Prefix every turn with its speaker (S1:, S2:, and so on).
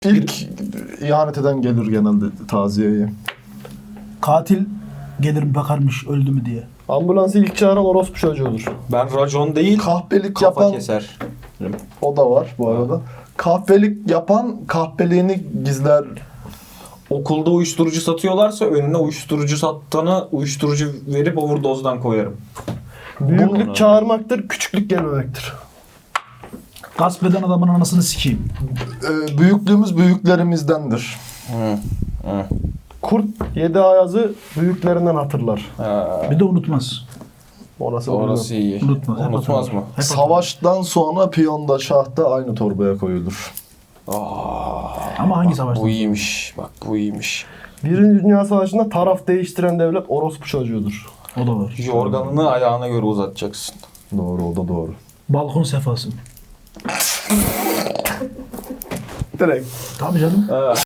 S1: İlk ihanet eden gelir genelde taziyeye.
S2: Katil gelir mi bakarmış öldü mü diye.
S3: Ambulansı ilk çağıran orospu çocuğudur.
S4: Ben racon değil,
S1: Kahpelik
S4: kafa
S1: yapan
S4: keser.
S1: o da var bu arada. Kahpelik yapan kahpeliğini gizler.
S4: Okulda uyuşturucu satıyorlarsa önüne uyuşturucu sattığını uyuşturucu verip overdose'dan koyarım.
S3: Büyüklük çağırmaktır, küçüklük gelmemektir.
S2: Gasp eden adamın anasını sikeyim.
S1: Büyüklüğümüz büyüklerimizdendir.
S3: Kurt yedi ayazı büyüklerinden hatırlar.
S2: Bir de unutmaz.
S4: Orası iyi.
S2: Unutmaz. Hep
S4: Unutmaz
S2: hatırlar.
S4: mı?
S2: Hep
S1: Savaştan sonra piyonda şahta aynı torbaya koyulur.
S2: hatırlar. Ama hangi savaşta?
S4: Bu iyiymiş. Bak bu iyiymiş.
S3: Birinci Dünya Savaşı'nda taraf değiştiren devlet orospu çocuğudur.
S2: O da var.
S4: Yorganını ayağına göre uzatacaksın.
S1: Doğru, o da doğru.
S2: Balkon sefası.
S3: Direkt.
S2: Tabii canım.